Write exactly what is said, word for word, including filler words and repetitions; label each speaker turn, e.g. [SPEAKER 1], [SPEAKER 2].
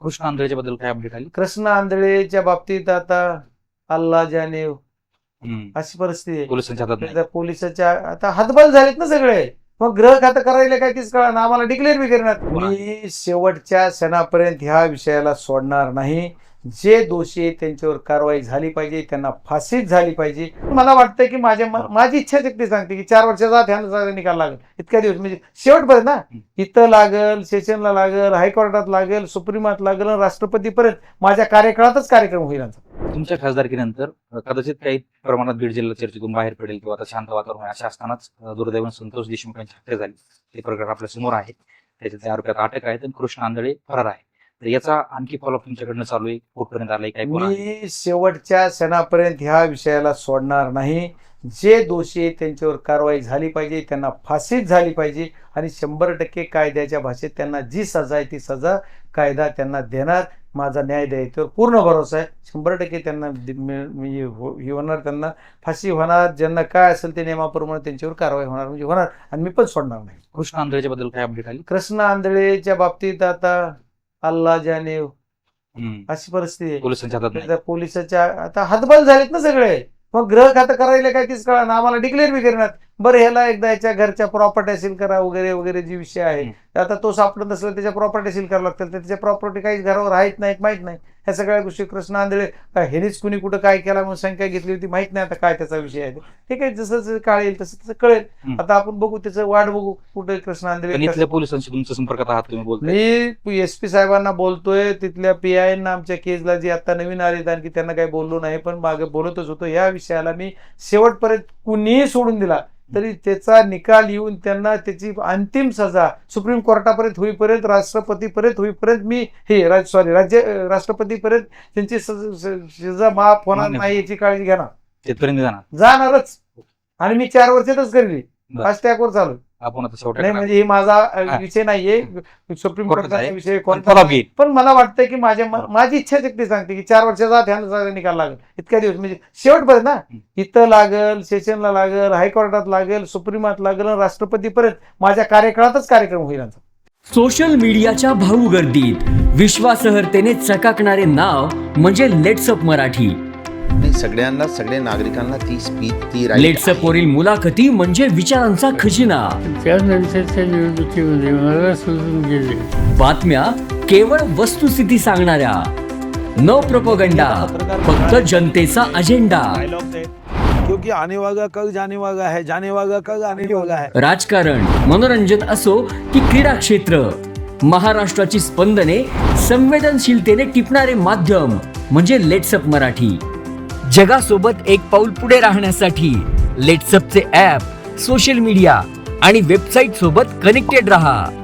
[SPEAKER 1] कृष्ण आंधळेच्या बद्दल काय अपडेट आली?
[SPEAKER 2] कृष्ण आंधळेच्या बाबतीत आता अल्ला जाने
[SPEAKER 1] हम्म.
[SPEAKER 2] अशी परिस्थिती आहे.
[SPEAKER 1] पोलिसांच्या हातात नाही.
[SPEAKER 2] आता पोलिसाच्या आता हातबल झालेत ना सगळे. मग ग्रह खातं करायला काय तीच कळा ना आम्हाला डिक्लेअर बी करणार. मी शेवटच्या क्षणापर्यंत ह्या विषयाला सोडणार नाही. जे दोषी आहेत त्यांच्यावर कारवाई झाली पाहिजे, त्यांना फाशीच झाली पाहिजे. मला वाटतं की माझ्या माझी इच्छा शक्ती सांगते की चार वर्षाचा ह्याला निकाल लागेल. इतक्या दिवस म्हणजे शेवटपर्यंत ना, इथं लागल, सेशनला लागल, हायकोर्टात लागेल, सुप्रीमात लागेल, राष्ट्रपतीपर्यंत माझ्या कार्यकाळातच कार्यक्रम होईल.
[SPEAKER 1] तुमच्या खासदारकीनंतर कदाचित काही प्रमाणात बीड जिल्हा चर्चेतून बाहेर पडेल किंवा आता शांत वातावरण अशा असतानाच दुर्दैवाने संतोष देशमुख यांची हत्या झाली. ते प्रकरण आपल्या समोर आहे. त्याच्या आरोपात अटक आहे, तर कृष्ण आंधळे फरार आहे. तर याचा आणखी फॉलोअप तुमच्याकडनं चालू आहे, कुठपर्यंत आलाय काय?
[SPEAKER 2] मी शेवटच्या क्षणापर्यंत ह्या विषयाला सोडणार नाही. जे दोषी आहेत त्यांच्यावर कारवाई झाली पाहिजे, त्यांना फाशीच झाली पाहिजे आणि शंभर टक्के कायद्याच्या भाषेत त्यांना जी सजा आहे ती सजा कायदा त्यांना देणार. माझा न्याय द्यायच्यावर पूर्ण भरोसा आहे. शंभर टक्के त्यांना म्हणजे हे होणार, त्यांना फाशी होणार. ज्यांना काय असेल ते नियमाप्रमाणे त्यांच्यावर कारवाई होणार म्हणजे होणार आणि मी पण सोडणार नाही.
[SPEAKER 1] कृष्ण आंधळेच्या बद्दल काय अपडेट आली?
[SPEAKER 2] कृष्ण आंधळेच्या बाबतीत आता अल्ला जाने अशी परिस्थिती आहे.
[SPEAKER 1] पोलिसांच्या हातात नाही.
[SPEAKER 2] आता पोलिसाच्या आता हातबल झालेत ना सगळे. मग ग्रह खातं करायला काय तीच कळा ना आम्हाला डिक्लेअर बी करणार. बरं ह्याला एकदा याच्या घरच्या प्रॉपर्टी सील करा वगैरे वगैरे जी विषय आहे. आता तो सापडत नसला त्याच्या प्रॉपर्टी सील करावं लागतील. तर त्याच्या प्रॉपर्टी काही घरावर आहेत नाहीत माहित नाही. ह्या सगळ्या गोष्टी कृष्ण आंधळे काय हेनेच कुणी कुठं काय केला म्हणून शंका घेतली होती माहित नाही. आता काय त्याचा विषय आहे ठीक आहे, जसं जसं कळेल तसं तसं कळेल. आता आपण बघू, त्याचं वाट बघू कुठे कृष्ण आंधळे.
[SPEAKER 1] इथल्या पोलिसांशी तुमच्या संपर्कात आहात तुम्ही? बोलतोय
[SPEAKER 2] मी एस पी साहेबांना बोलतोय, तिथल्या पी आय ना आमच्या केसला जी आता नवीन आले आणखी त्यांना काही बोललो नाही, पण मागे बोलतच होतो. या विषयाला मी शेवटपर्यंत कुणीही सोडून दिला तरी त्याचा निकाल येऊन त्यांना त्याची अंतिम सजा सुप्रीम कोर्टापर्यंत होईपर्यंत, राष्ट्रपतीपर्यंत होईपर्यंत मी हे सॉरी राज्य राष्ट्रपतीपर्यंत त्यांची सजा माफ होणार नाही याची काळजी घेणार.
[SPEAKER 1] तिथपर्यंत जाणार
[SPEAKER 2] जाणारच आणि मी चार वर्षातच करली. फास्ट ट्रॅकवर चालू
[SPEAKER 1] आपण आता शेवटी
[SPEAKER 2] नाही म्हणजे हे माझा विषय नाहीये, सुप्रीम कोर्टाचा विषय कोणता. पण मला वाटतं की माझ्या माझी इच्छा शक्ती सांगते की चार वर्षाचा ह्याला निकाल लागेल. इतक्या दिवस म्हणजे शेवटपर्यंत ना, इथं लागल, सेशनला लागल, हायकोर्टात लागेल, सुप्रीमात लागेल, राष्ट्रपतीपर्यंत माझ्या कार्यकाळातच कार्यक्रम होईल.
[SPEAKER 3] सोशल मीडियाच्या भाऊ गर्दीत विश्वासार्हतेने चकाकणारे नाव म्हणजे लेट्सअप मराठी.
[SPEAKER 4] सगळ्यांना सगळ्या नागरिकांना ती स्पीच ती
[SPEAKER 3] लेट्सअप वरील मुलाखती म्हणजे विचारांचा खजिना.
[SPEAKER 5] त्यानंतरच्या निवडणुकीमध्ये मला सोडून गेले.
[SPEAKER 3] बातम्या केवळ वस्तुस्थिती सांगणाऱ्या, न प्रोपगंडा, फक्त जनतेचा अजेंडा.
[SPEAKER 6] क्योंकि आने वाला कल जाने वाला है, जाने वाला कल आने वाला है.
[SPEAKER 3] राजकारण, मनोरंजन असो की क्रीडा क्षेत्र, महाराष्ट्राची स्पंदने संवेदनशीलतेने टिपणारे माध्यम म्हणजे लेट्सअप मराठी. जगासोबत एक पाऊल पुढे राहण्यासाठी लेट्सअपचे ॲप, सोशल मीडिया आणि वेबसाईट सोबत कनेक्टेड रहा.